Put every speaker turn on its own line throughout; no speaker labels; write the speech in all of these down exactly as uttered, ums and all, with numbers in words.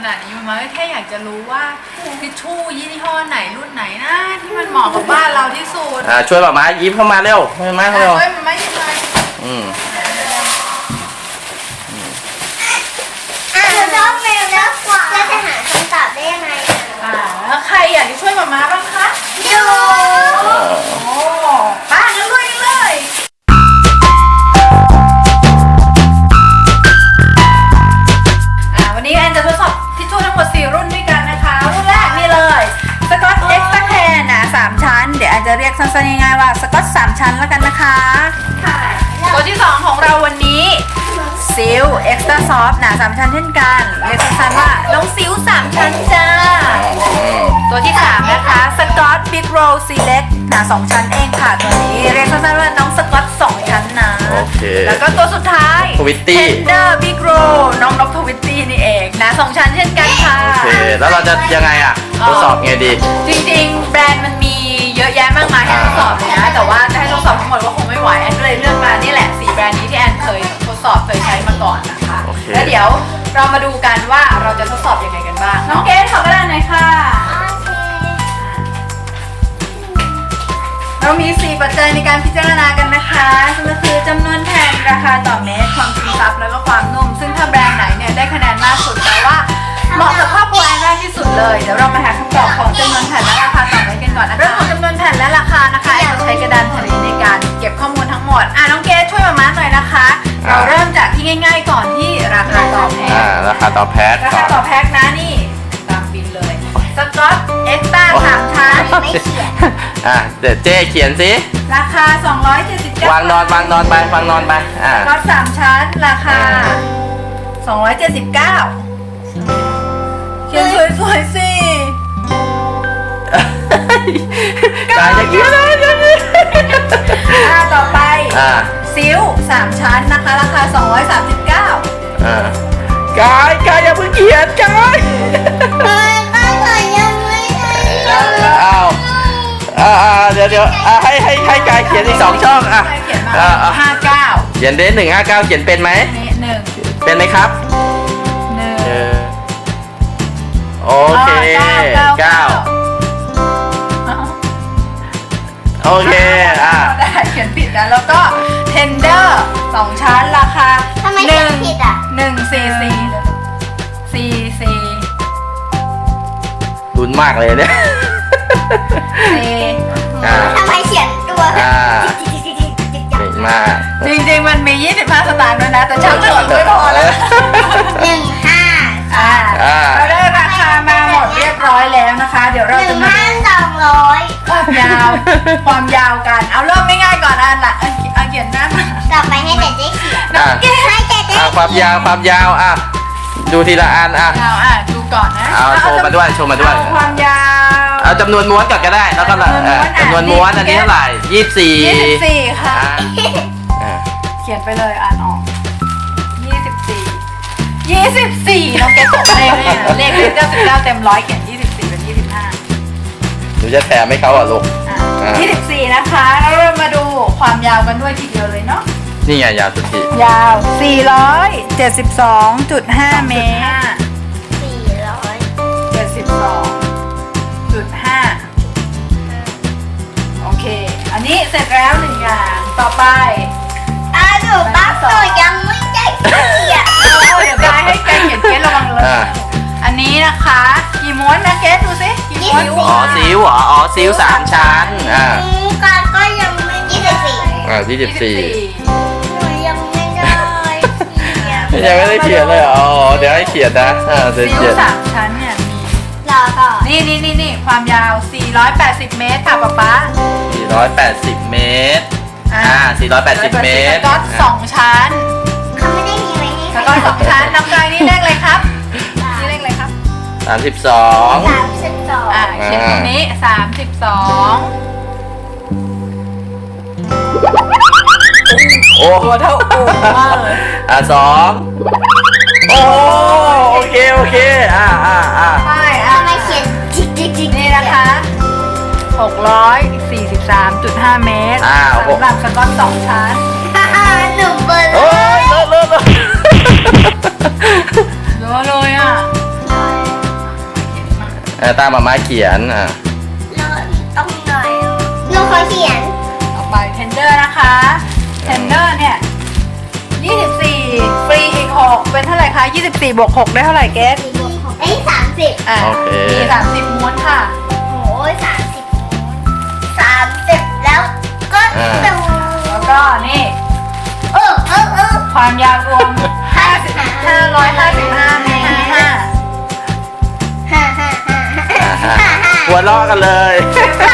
นาดนี้มาแค่อยากจะรู้ว่าทิชชู่ยี่ห้อไหนรุ่นไหนนะที่มันเหมาะกับบ้านเราที่สุด
อ่าช่วยป้าม้ายิ้มเข้ามาเร็วช่วยมาเร็ว
ช่วยมันไม่ยังไง
อืม
อ่าน้องแมวแล้วเราจะหาคำตอบได้ยังไง
อ่าแล้วใครอยากจะช่วยมาม่าบ้างคะ
ดู
โอ้ป้างั้นลุยกันเลยอ่าวันนี้แอนจะทดสอบทิชชู่ทั้งหมดสี่รุ่นด้วยกันนะคะรุ่นแรกนี่เลยสกอตเอ็กซ์ตร้าแคนนะสามชั้นเดี๋ยวแอนจะเรียกสั้นๆง่ายๆว่าสกอตสามชั้นแล้วกันนะคะ
ค่ะ
ตัวที่สองของเราวันนี้ซิลเอ็กซ์ตร้าซอฟต์หนาสามชั้นเช่นกันเรียกสั้นๆว่าน้องซิลสามชั้นจ้าตัวที่สามนะคะสกอตบิ๊กโรลซีเล็กหนาสองชั้นเองค่ะตัวนี้เรียกสั้นๆว่าน้องสกอตสองชั้นนะ
โอเค
แล้วก็ตัวสุดท้าย
ทวิตตี้
เทนเดอร์บิ๊กโรน้องนกทวิตตี้นี่เองหนาสองชั้นเช่นกันค่ะ
โอเคแล้วเราจะยังไงอ่ะทดสอบไงดี
จริงๆแบรนด์มันมีเยอะแยะมากมายให้ทดสอบเลยนะแต่ว่าจะให้ทดสอบทั้งหมดก็คงไม่ไหวแอนก็เลยเลือกมานี่แหละสี่แบรนด์นี้ที่แอนเคยทดสอบเคยใช้มาก่อนนะคะ
โอเค
แล้วเดี๋ยวเรามาดูกันว่าเราจะทดสอบยังไงกันบ้างน้องเกดขอกระดานหน่อยค่ะ เรามีสี่ปัจจัยในการพิจารณากันนะคะซึ่งก็คือจำนวนแผ่นราคาต่อเมตรความซึมซับแล้วก็ความนุ่มซึ่งถ้าแบรนด์ไหนเนี่ยได้คะแนนมากสุดแปลว่าเหมาะกับครอบครัวแอนมากที่สุดเลยเดี๋ยวเรามาหาคำตอบของจำนวนแผ่นและราคาต่อเมตรกันก่อนนะคะเรื่องของจำนวนแผ่นและราคานะคะแอนจะใช้กระดานแผ่นนี้ในการเก็บข้อมูลทั้งหมดอ่ะน้องเกดช่วยมาม้าหน่อยนะคะ เราเริ่มจากที่ง่าย ๆ ก่อนที่ราคาต่อแพ็ค
อ่าราคาต่อแพ็ค
รา
ก่
คา
อน
ต่อแพ็คนะนี่ตามบินเลยสกอตเอ็กซ์ต้าสามชั้น
ไม่เขียน
อ่ะเดี๋ยวเจ๊เขียนสิ
ราคาสองร้อยเจ็ดสิบเก้าว
างนอนวางนอนไปวางนอนไปอ่า
สกอตสามชั้นราคาสองร้อยเจ็ดสิบเก้าเขียนสวยๆสิ
ตายจะเขียนอะไรอย่างนี้
อ่าต่อไป
อ่า
ซิลสามชั้นนะคะราคาสองร้อยสามสิบเก้า
อ่ากายกายอย่าเพิ่งเขียนกาย
เฮ้ยบ้านเรายังไม่ได้เลย
อ้าวอ่าอ่าเดี๋ยวเดี๋ยวอ่าให้ให้ให้กายเขียนอีกสองช่องอ่ะ
เขียนมา
อ่าอ่า
ห้าเก้า
เขียนเดนหนึ่งห้าเก้าเขียนเป็นไหม
นี่หนึ่ง
เป็นไหมครับ
หนึ่ง
เออโอเคเก้าโอเคอ่ะ
ได้เขียนผิดนะแล้วก็เทนเดอร์สองชั้นราคา
ทำไม
ห
เขีย
นึ่
น
ง
ผิดอ่ะ
หนึ่งซีซีซีซี
ลุ้นมากเลยเนี่ย
ซี
อ่า
ทำไมเขียนตัว
อ่า
จิ๊กจิ๊กจิ๊กจิ๊กจิ๊ก
เก่งมาก
จริงๆมันมียี่สิบห้าสตางค์ด้วยนะแต่ช่างเถอะไม่พอแล้ว
หนึ่งห้า
อ่า
อ่า
เราได้ราคามาหมดเรียบร้อยแล้วนะคะ เดี๋ยว
ห
เรา
นึ่
จะ
ง
มา
ห้า
ดู
สองร้อย
ความยาวความยาวกันเอาเริ่มง่ายๆก่อนอันละเอาเอาเขียนหน้ามา
ต่อไปให้เด็กได้เขียน
อ่ะ
ให้เด็กได้
อ่ะความยาวความยาวอ่ะดูทีละอันอ่ะ
ยาวอ่ะดูก่อนนะ
เอาโชว์มาด้วยโชว์มาด้วย
เอความยาว
เอาจำนวนม้วนก่อนก็ได้แล้วก็ละเออจำนวนม้วนอันนี้เท่าไหร่ยี่สิบสี่
ยี่สิบสี่ค่ะ
อ่ะอ่ะ
เขียนไปเลยอ่านออกยี่สิบสี่ยี่สิบสี่น้องแกตกเลขเนี่ยเลขเก้าสิบเก้าเต็มร้อยเขียนยี่สิบสี่เป็นยี่สิบห้า
หนูจะแถมให้เขาอ่ะลูก อ่า
ยี่สิบสี่นะคะแล้วเรามาดูความยาวกันด้วยทีเดียวเลยเนาะ
นี่ไงยาวสุดที
ยาวสี่ร้อยเจ็ดสิบสองจุดห้าเมตร
สี่ร้อย
เจ็ดสิบสองจุดห้าโอเค อันนี้เสร็จแล้วหนึ่งอย่างต่อไป
อ่ะหนูปั๊บหนูยังไม่ได้เขียน
เอาเดี๋ยวกายให้แกเขียนเกสระวังเลย
อ่ะ
อันนี้นะคะกี่ม้วนนะเกสดูสิกี่ม้วน
อ๋อซิวเหรออ๋อซิวสามชั้นอ่ะ
อืมการก็ยังไม่ยี่สิบสี่
อ่ะยี่สิบสี่
หนูยังไม่ได้เขียน
ยังไม่ได้เขียนเลยเหรออ๋อเดี๋ยวให้เขียนนะอ่าเดี๋ยว
ซิ
เขี
ล
ยน
สามชั้นเนี่ยมี
รอก่อน
นี่นี่นี่นี่ความยาวสี่ร้อยแปดสิบเมตรค่ะป๊าป๊า
สี่ร้อยแปดสิบเมตร
อ่า
อ่าสี่ร้อยแปดสิบเมตร
สก๊อตสองชั้น
เขาไม่ได้มีไว้ให้
สก๊อตสองชั้นน้ำกายนี่เลขอะไรครับนี่เลขอะไรครับ
สามสิบสอง
สามสิบสอง
อ่าเขียนตรงนี้สามสิบสอง
โอ้
ตัวเท่าโอ่งมากเลย
อ่ะสองโอ้โอเคโอเคอ่าอ่าอ่า
ใช่อ่ะ
ทำไมเขียนจิ๊กจิ๊กจิ๊ก
นี่นะคะหกร้อยสี่สิบสามจุดห้าเมตร
อ่า
สำหรับสก๊อตสองชั้น
หนูเบอร์
โอ้ยเลิศเลิศเลิศ
เยอะเลยอ่ะ
เ
เออตามมาม่าเขียนอ่ะ
เราต้องหน่อยหนูขอเขียน
ต่อไป tender นะคะ tender เนี่ยยี่สิบสี่ฟรีอีกหกเป็นเท่าไหร่คะยี่สิบสี่บวกหกได้เท่าไหร่เกส
สี่บวกหกเอ้ยสามสิบ
อ่ะ
โอเค
มีสามสิบม้วนค่ะ
โอ้ยสามสิบสามสิบแล้วก็ตู
แล้วก็นี่
เออเออเออ
ความยาวรวมห้าสิบห้าร้อยห้าสิบห้าเมตรห้า
ฮ่าฮ่าฮ่าฮ่า
อ่าฮะ
ฮ่าฮ่า
หัวล้อกันเลย
ฮ่า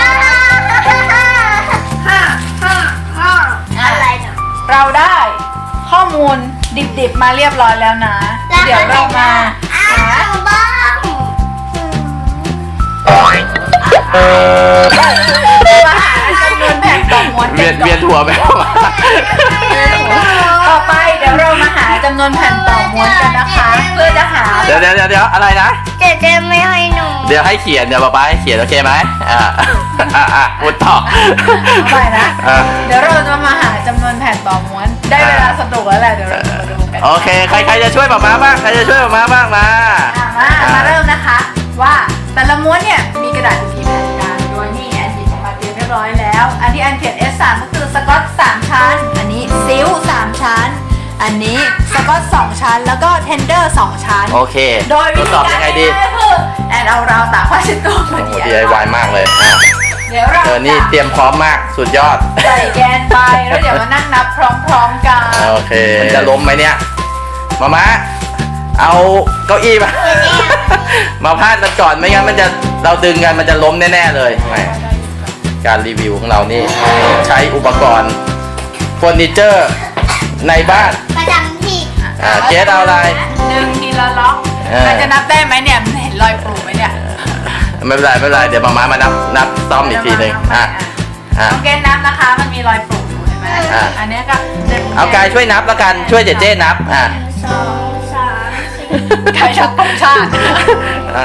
ฮ่าฮ่าอะไรเนาะ
เราได้ข้อมูลดิบๆมาเรียบร้อยแล้วนะ เดี๋ยวเรามา
อ้า
หาว
บ้าง
มาหาจำนวนแผ่นต่อม้วน
เวียน
กั
เวียน
ก่อ
หัวไปแล้ว
ต่อไปเดี๋ยวเรามาหาจำนวนแผ่นต่อม้วนกันนะคะ เพื่อจะหา
เดี๋ยวเดี๋ยวเดี๋ยวเดี๋ยวอะไรนะ
เจ๊เจ๊ไม่ให้หนู
เดี๋ยวให้เขียนเดี๋ยวป๊าป๊าให้เขียนโอเคไหมอ่าอ่าอ่าพูดต่อ
เอาไปนะ
อ่า
เดี๋ยวเราจะมาหาจำนวนแผ่นต่อม้วน ได้เวลาสนุกแล้วแหละเดี๋ยวเราจะมาดูกัน
โอเคใครใครจะช่วยป๊าป๊าบ้างใครจะช่วยป๊าป๊าบ้างมา
อ่ะมามาเริ่มนะคะว่าแต่ละม้วนเนี่ยมีกระดาษอยู่กี่แผ่นกันโดยนี่แอนหยิบออกมาเตรียมเรียบร้อยแล้ว อันที่แอนเขียน เอส สาม ก็คือสกอตสามชั้น อันนี้ซิลสามชั้น อันนี้สกอตสองชั้นแล้วก็เทนเดอร์สองชั้น
โอเค
โดย
ท
วิ
ด
ธี
สอบ
กา
ยัง
ร
ไงดี
ง่ายๆคือแอนเอาราวตากผ้าเช็ดตัวมา
โอ้โห
ดี
ดีไอวายมากเลยอ่ะ
เดี๋ยวเรา
เออนี่เตรียมพร้อมมากสุดยอด
ใส่แกนไปแล้วเดี๋ยวมานั่งนับพร้อมๆกัน
โอเคมันจะล้มไหมเนี่ยมาม่าเอาเก้าอี้มา มาพาดมันก่อนไม่งั้นมันจะเราดึงกันมันจะล้มแน่ๆเลยแหมการรีวิวของเรานี่ใช้อุปกรณ์เฟอร์นิเจอร์ในบ้าน
ประจำที่
อ่าเจสเอาอะไร
หนึ่งทีละล็อก
เออ
ใครจะนับได้ไหมเนี่ยมันเห็นรอยปลูกไหมเนี่ย
ไม่เป็นไรไม่เป็นไรเดี๋ยวมาม่ามานับนับซ่อมอีกทีหนึ่งอ่ะอ่ะ
น้องเกณฑ์นับนะคะ มันมีรอยปลูกอยู่เห็นไหม
อ่ะ
อันเนี้ยก็หนึ่ง
เอากายช่วยนับแล้วกันช่วยเจเจนับอ่ะ
สองสามสี่
กายชักต้องชาติ
อ่ะ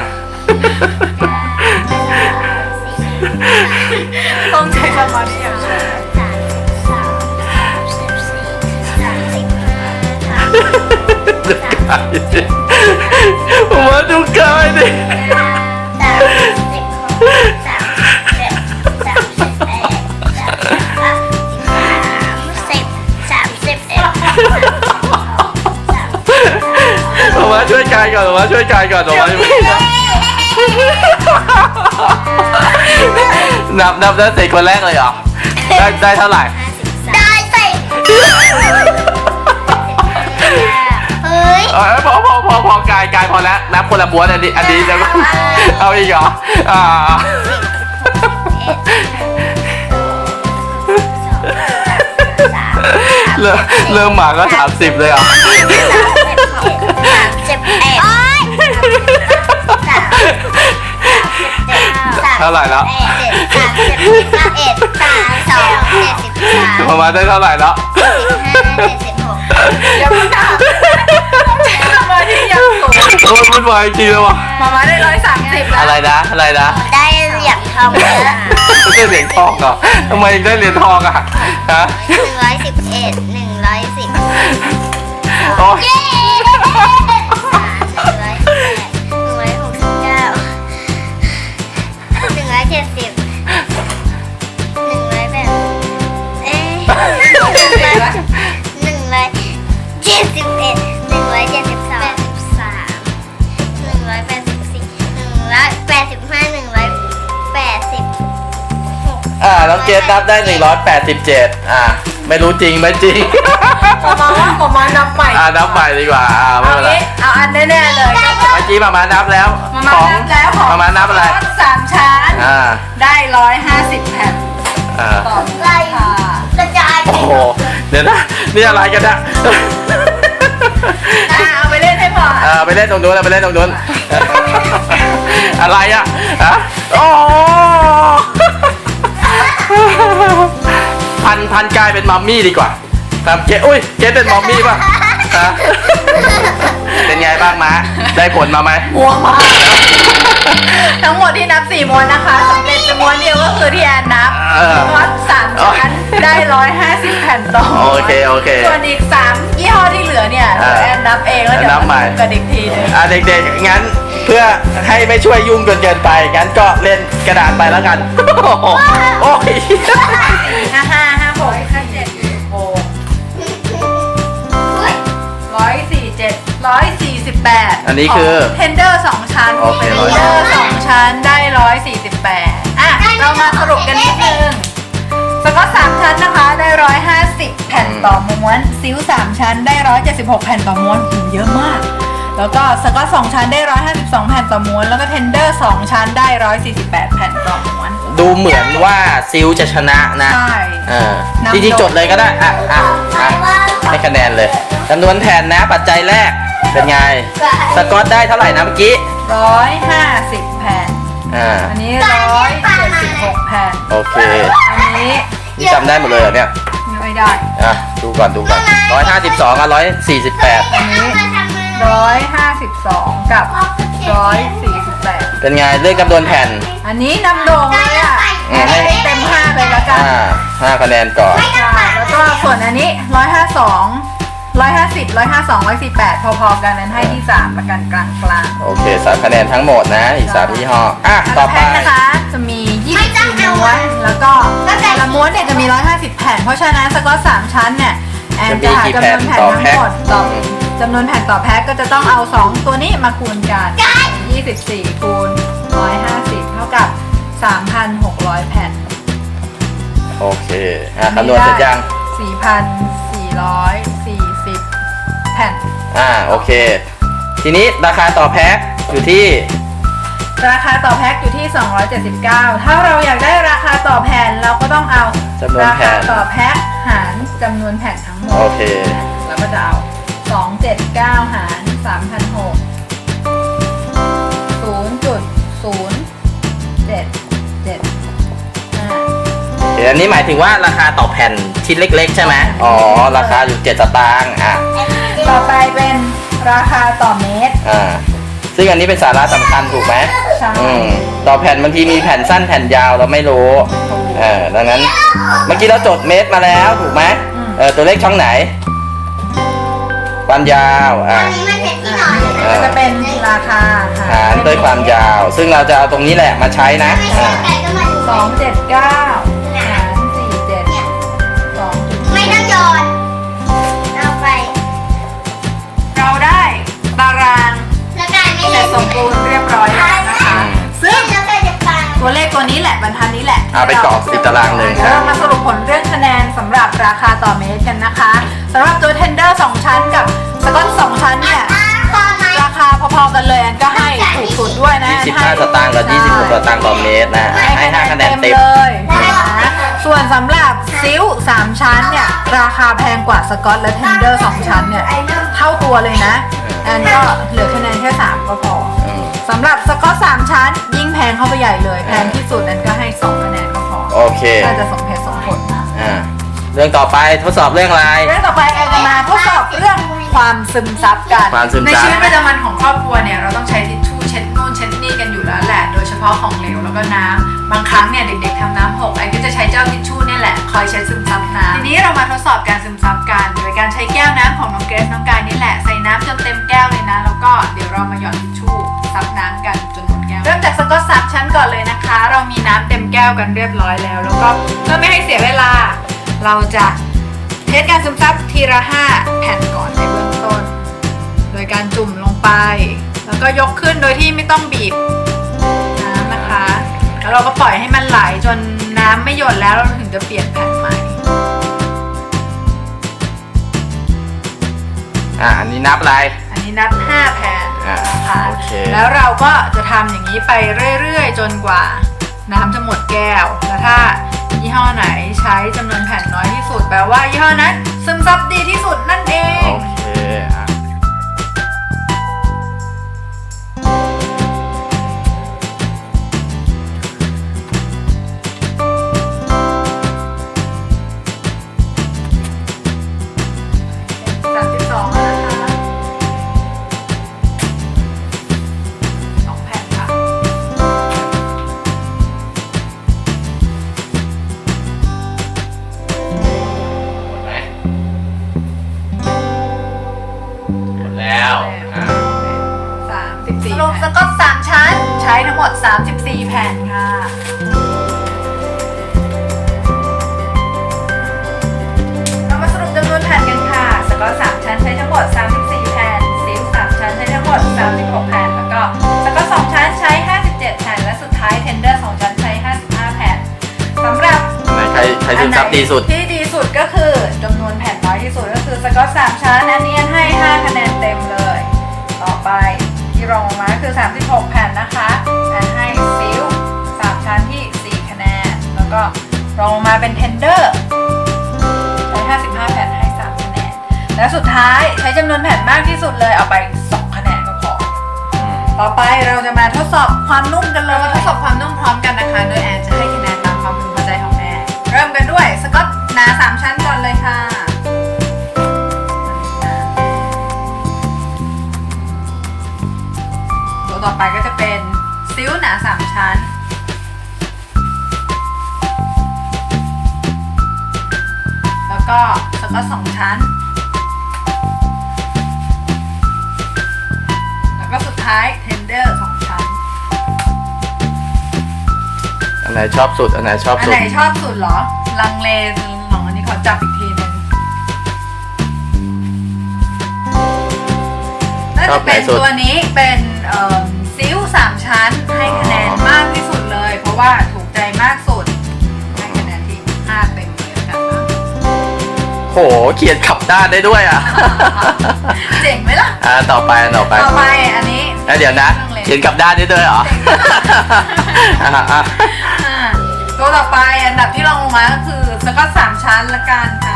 ต้องใช้สมาธิอย่างสูง
สามสามสิบสี่สามสิบห้า
ดูกายดิผมว่าดูกายดิ
สามสิบหกสามสิบเจ็ดสามสิบแปดสามสิบสามสิบเอ็ด
ผมว่าช่วยกายก่อนผมว่าช่วยกายก่อนผมว่านับนับแล้วเสร็จคนแรกเลยเหรอได้ได้เท่าไหร่
ได้ใส่เฮ้ย
เออพอพอพอพอกายกายพอแล้วนับคนละบ้วนอันนี้อันนี้แล้วก็เอาอีกเหรออ่าเริ่มเริ่มหมาก็สามสิบเลยเหรอ
สามสิบเอ็ด
เท่าไหร่แล้ว
สามสิบเอ็ดสามสองเจ็ดสิบสาม
ประมาณได้เท่าไหร่แล้ว
สิบห้าเจ็ดสิบหก
เดี๋ยวมึงนับต้องใช้สมาธิอย่างสูง
โอ้ยมันวายจริงเลยวะ
มามาได้ร้อยสามสิบแล้ว
อะไรนะอะไรนะ
ได้เหรียญทองแล้ว
ได้เหรียญทองเหรอทำไมได้เหรียญทองอ่ะฮะ
หนึ่งร้อยสิบเอ็ดหนึ่งร้อยสิบ
โอ้ย
เย้หนึ่งร้อยสิบแปดหนึ่งร้อยหกสิบเก้าหนึ่งร้อยเจ็ดสิบหนึ่งร้อยแปดเอ๊ะหนึ่งร้อยหนึ่งร้อยเจ็ดสิบเอ็ดหนึ่งร้อยเจ็ดสิบสองแปดสิบสามหนึ่งร้อยแปดสิบสี่หนึ่งร้อยแปดสิบห้าหนึ่งร้อยแปดสิบหก
อ่าน้องเกดนับได้หนึ่งร้อยแปดสิบเจ็ดอ่าไม่รู้จริงไหมจริง
มามาว่ามามานับใหม่
อ่านับใหม่ดีกว่าอ่าไม่
เอา
เป็นไร
งี้เอาอันแน่ๆเลย
เมื่อกี้มามานับแล้ว
มามานับแล้วของ
มามานับอะไร
สามชั้น
อ่า
ได้ร้อยห้าสิบแผ่น
อ่า
ต่อ
ไล่กระจาย
โอ้โหเดี๋ยวนะนี่อะไรกันเนี่ย
อ่ะเอาไปเล่นให้พอ
อ่าไปเล่นตรงนู้นนะไปเล่นตรงนู้น อะไรอ่ะฮะโอ้พันพันกลายเป็นมัมมี่ดีกว่าตามเจ๊อุ้ยเจ๊เป็นมัมมี่ป่ะฮะเป็นไงบ้างมะได้ผลมาไหม
ม่วงมากทั้งหมดที่นับสี่ม้วนนะคะสำเร็จเป็นม้วนเดียวก็คือที่แอนนับ
เออ
วัดสามชั้นได้ร้อยห้าสิบแผ่นต่อ
โอเคโอเค
ส่วนอีกสามยี่ห้อที่เหลือเนี่ย
เออ
แอนนับเองแล้วเดี๋ยว
นับใหม่
มาดูกันอีกทีหนึง
อ่ะเด็กๆงั้นเพื่อให้ไม่ช่วยยุ่งจนเกินไปงั้นก็เล่นกระดาษไปแล้วกัน โอ้ย
ห้าห้าห้าหกห้าเจ็ดหกร้อยสี่เจ็ดร้อยสี่สิบแปด
อันนี้คือ
เทนเดอร์สองชั้น
โอเค
เทนเดอร์สองชั้นได้ร้อยสี่สิบแปดอ่ะเรามาสรุปกันนิดนึงสก๊อตสามชั้นนะคะได้ร้อยห้าสิบแผ่นต่อม้วนซิลสามชั้นได้ร้อยเจ็ดสิบหกแผ่นต่อม้วนหูเยอะมากแล้วก็สก๊อตสองชั้นได้ร้อยห้าสิบสองแผ่นต่อม้วนแล้วก็เทนเดอร์สองชั้นได้ร้อยสี่สิบแปดแผ่นต่อม้วน
ดูเหมือนว่าซิลจะชนะนะ
ใช่
เออจริงๆจดเลยก็ได้อ่ะอ่ะอ่ะให้คะแนนเลยจำนวนแผ่นนะปัจจัยแรกเป็นไงสกอตได้เท่าไหร่นะเมื่อกี้
ร้อยห้าสิบแผ่น
อ่า
อันนี้ร้อยเจ็ดสิบหกแผ่น
โอเค
อันนี้
นี่จำได้หมดเลยเหรอเนี่ย
ไม่ได้
อ่ะดูก่อนดูก่อนร้อยห้าสิบสองกับร้อยสี่สิบแปด
อันนี้ร้อยห้าสิบสองกับร้อยสี่สิบแปด
เป็นไงเรื่องจำนวนแผ่น
อันนี้นำโด่งเลยอ่ะ
อืมให้
ให้เต็มห้าเลยละกัน
อ่าห้าคะแนนก่อน
ค่ะแล้วก็ส่วนอันนี้ร้อยห้าสองร้อยห้าสิบร้อยห้าสองร้อยสี่แปดพอๆกันนั้นให้ที่สามประกันกลางกลาง
โอเคสามคะแนนทั้งหมดนะอีกสามยี่ห้ออ่ะต่อไป
แพ็คนะคะจะมียี่สิบสี่ม้วนแล้วก็แต่ละม้วนเนี่ยจะมีร้อยห้าสิบแผ่นเพราะฉะนั้นสก๊อตสามชั้นเนี่ยแอนจะหาจำนวนแผ่นทั้งหมดต่อจำนวนแผ่นต่อแพ็คก็จะต้องเอาสองตัวนี้มาคูณกันยี่สิบสี่คูณหนึ่งร้อยห้าสิบเท่ากับ สามพันหกร้อย แผ่น
โอเคอ่ะคำนวณเสร็จยัง
สี่พันสี่ร้อยสี่สิบ แผ่น
อ่าโอเค ทีนี้ราคาต่อแพ็คอยู่ที่
ราคาต่อแพ็คอยู่ที่ สองร้อยเจ็ดสิบเก้า ถ้าเราอยากได้ราคาต่อแผ่นเราก็ต้องเอา
จำนวน
รา
แผ่
คาน ต่อแพ็คหารจำนวนแผ่นทั้งหมด
โอเค
แล้วก็จะเอา สองร้อยเจ็ดสิบเก้า หาร สามพันหกร้อย ศูนย์จุดศูนย์เจ็ดเจ็ดห้า
เดี๋ยวอันนี้หมายถึงว่าราคาต่อแผ่นชิ้นเล็กๆใช่ไหมอ๋อ ราคาอยู่เจ็ดสตางค์อ่ะ
ต่อไปเป็นราคาต่อเมตร
อ่า ซึ่งอันนี้เป็นสาระสำคัญถูกไหม
ใช่
อืมต่อแผ่นบางทีมีแผ่นสั้นแผ่นยาวเราไม่รู้เออดังนั้น เมื่อกี้เราจดเมตรมาแล้วถูกไหมเออตัวเลขช่องไหน ความยาว
ตอ
อ่ะ
นนี้มันเป็นที่นอนอยู่
เอ
ก็
อ
จะเป็นราคา
หารด้วยความยาว ซึ่งเราจะเอาตรงนี้แหละมาใช้นะ
ไม่
อ่า
ใช่ไก่ก็มาดู
สองเจ็ดเก้าหารสี่เจ็ดสองจุด
ไม่ต้องโยนเอาไป
เราได้ตาราง
แล้วไก่ไม่
เสร็
เล่
จ
น
สมบูรณ์เรียบร้อยแล้วนะคะ ซึ่ง
แล้วไก่จะฟัง
ตัวเลขตัวนี้แหละบรรทัดนี้แหละ
เอาไปกรอกติดตารางเลย
เดี๋ยวเรามาสรุปผลเรื่องคะแนนสำหรับราคาต่อเมตรกันนะคะสำหรับตัวเทนเดอร์สองชั้นกับสก๊อตสองชั้นเนี่ย
พอไหม
ราคาพอๆกันเลยอันก็ให้ถูกสุดด้วยนะ
ยี่สิบห้าสตางค์กับยี่สิบหกสตางค์ต่อเมตรนะ ให้ห้าคะแนนเต็ม
เลยนะส่วนสำหรับซิลสามชั้นเนี่ยราคาแพงกว่าสก๊อตและเทนเดอร์สองชั้นเนี่ยเท่าตัวเลยนะอันก็เหลือคะแนนแค่สามก็พอ
อืม
สำหรับสก๊อตสามชั้น ยิ่งแพงเข้าไปใหญ่เลยแพงที่สุดนั้นก็ให้สองคะแนนก็พอ
โอเค
น่าจะสมเหตุสมผล
อ่า เรื่องต่อไปทดสอบเรื่องอะไร
เรื่องต่อไปแอนจะมาทดสอบเรื่องความซึมซับกัน
ความซึมซับ
ในชีวิตประจำวันของครอบครัวเนี่ยเราต้องใช้ทิชชู่เช็ดนู่นเช็ดนี่กันอยู่แล้วแหละ โดยเฉพาะของเหลวแล้วก็น้ำบางครั้งเนี่ยเด็กๆทำน้ำหกไอ้ก็จะใช้เจ้าทิชชู่เนี่ยแหละคอยเช็ดซึมซับน้ำทีนี้เรามาทดสอบการซึมซับกันโดยการใช้แก้วน้ำของน้องเกรซน้องกายนี่แหละใส่น้ำจนเต็มแก้วเลยนะแล้วก็เดี๋ยวเรามาหยอดทิชชู่ซับน้ำกันจนหมดแก้วเริ่มจากสก๊อตซับชั้นก่อนเลยนะคะ เรามีน้ำเต็มแก้วกันเรียบร้อยแล้ว แล้วก็เพื่อไม่ให้เสียเวลา เราจะเทสการซึมซับทีละห้าแผ่นก่อนในเบื้องต้น โดยการจุ่มลงไป แล้วก็ยกขึ้นโดยที่ไม่ต้องบีบน้ำนะคะ แล้วเราก็ปล่อยให้มันไหลจนน้ำไม่หยดแล้วเราถึงจะเปลี่ยนแผ่นใหม่
อ่า อันนี้นับอะไร
อันนี้นับห้าแผ่น
อ่า
นะคะ
โอเค
แล้วเราก็จะทำอย่างนี้ไปเรื่อยๆ จนกว่าน้ำจะหมดแก้ว แล้วถ้ายี่ห้อไหนใช้จำนวนแผ่นน้อยที่สุดแปลว่ายี่ห้อนั้นซึมซับดีที่สุดนั่นเอง
โอเคอ่ะ
สามสิบสองแล้วนะคะสองแผ่นค่ะกอตสามชั้นใช้ทั้งหมดสามสิบสี่แผ่นค่ะเรามาสรุปจำนวนแผ่นกันค่ะสกอตสามชั้นใช้ทั้งหมดสามสิบสี่แผ่นซิลสามชั้นใช้ทั้งหมดสามสิบหกแผ่นแล้วก็สกอตสองชั้นใช้ห้าสิบเจ็ดแผ่นและสุดท้ายเทนเดอร์สองชั้นใช้ห้าสิบห้าแผ่นสำหรับ
ไหนใครใครซึมซับดีสุด
ที่ดีสุดก็คือจำนวนแผ่นน้อยที่สุดก็คือสกอตสามชั้นอันนี้ให้ห้าคะแนนเต็มเลย ต่อไปที่รองลงมาคือสามสิบหกแผ่นนะคะแอนให้ซิลสามชั้นที่สี่คะแนนแล้วก็รองลงมาเป็นเทนเดอร์ใช้ห้าสิบห้าแผ่นให้สามคะแนนและสุดท้ายใช้จำนวนแผ่นมากที่สุดเลยเอาไปสองคะแนนก็พอต่อไปเราจะมาทดสอบความนุ่มกันเลยมาทดสอบความนุ่มพร้อมกันนะคะโดยแอนจะให้คะแนนตามความพึงพอใจของแอนเริ่มกันด้วยสกอตหนาสามชั้นก่อนเลยค่ะตัวต่อไปก็จะเป็นซิลหนาสามชั้นแล้วก็สกอตสองชั้นแล้วก็สุดท้ายเทนเดอร์สองชั้น
อันไหนชอบสุดอันไหนชอบ
อัน
สุ
ไห
ด
นชอบสุดเหรอ ลังเลหนองอันนี้ขอจับอีกทีหนึงน่าจะเป็นตัวนี้เป็นเอ่อซิลสามชั้นให้คะแนนมากที่สุดเลย เพราะว่าถูกใจมากสุดให้คะแนนที่ห้าเต็มเลยแล้วกันนะ
โหเขียนขับด้านได้ด้วยอ่ะ
เจ๋งไหมล่ะ
อ่าต่อไปต่อไป
ต่อไปอันนี้
แล้วเดี๋ยวนะ
ลังเล
เขียนกลับด้านได้ด้วยเหรอ อ่ะอ่ะ
อ่าตัวต่อไปอันดับที่รองลงมาก็คือสกอตสามชั้นละกันค่ะ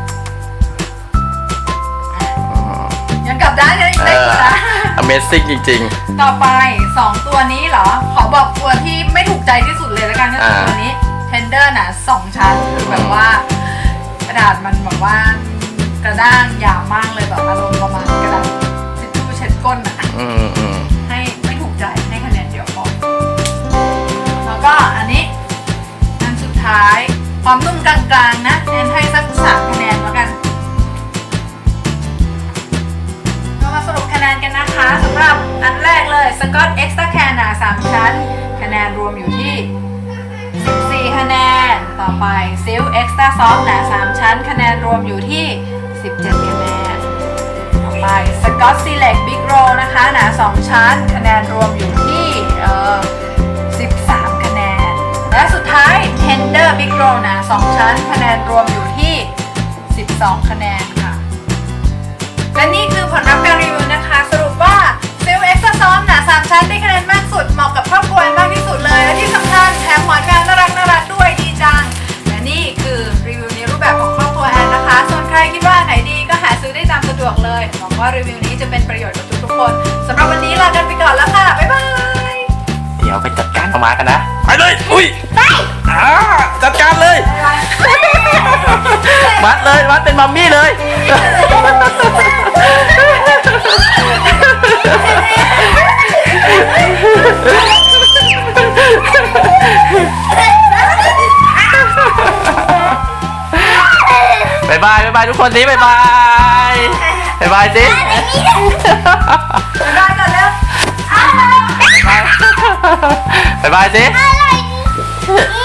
ยังกลับด้านยัง
เอ
เล็ก
อ
อยู่นะ
Amazing จริง
ต่อไปสองตัวนี้เหรอ ขอบอกตัวที่ไม่ถูกใจที่สุดเลยแล้วกันก็คือ
อ่า
ตัวนี้ Tender น่ะสองชั้นคือแบบว่ากระดาษมันแบบว่ากระด้างหยาบมากเลยแบบอารมณ์ประมาณกระดาษทิชชู่เช็ดก้นอ่ะ
ๆ อืมอืม
ให้ไม่ถูกใจให้คะแนนเดียวพอแล้วก็อันนี้อันสุดท้ายความนุ่มกลางๆนะเน้นให้สักสามคะแนนแล้วกันเรามาสรุปคะแนนกันนะคะสำหรับอันแรกเลยสกอตเอ็กซ์ตร้าแคนหนาสามชั้นคะแนนรวมอยู่ที่สิบสี่คะแนนต่อไปซิลเอ็กซ์ตร้าซอฟหนาสามชั้นคะแนนรวมอยู่ที่สิบเจ็ดคะแนนต่อไปสกอตซีเล็กบิ๊กโรนะคะหนาสองชั้นคะแนนรวมอยู่ที่เอ่อสิบสามคะแนนและสุดท้าย Tender Big Roll หนาสองชั้นคะแนนรวมอยู่ที่สิบสองคะแนนค่ะและนี่คือผลลัพธ์การรีวิวนะคะ สรุปว่าซิลเอ็กซ์ตร้าซอฟหนาสามชั้นได้คะแนนมากสุดเหมาะกับครอบครัวมากที่สุดเลยและที่สำคัญแถมหมอนกลางน่ารักน่ารักด้วยดีจังและนี่คือรีวิวในรูปแบบของครอบครัวแอนนะคะส่วนใครคิดว่าไหนดีก็หาซื้อได้ตามสะดวกเลยหวังว่ารีวิวนี้จะเป็นประโยชน์กับทุกๆคนสำหรับวันนี้ลากันไปก่อนแล้วค่ะบ๊ายบาย
เดี๋ยวไปจัดการเอามากันนะ ไปเลย อุ้ยไปอ่าจัดการเลย มัดเลยมัดเป็นมัมมี่เลย บายบายบายบายทุกคนสิบายบายบายบายสิ
บ๊ายบายก่อนแล้ว
บายบายสิ
อะไร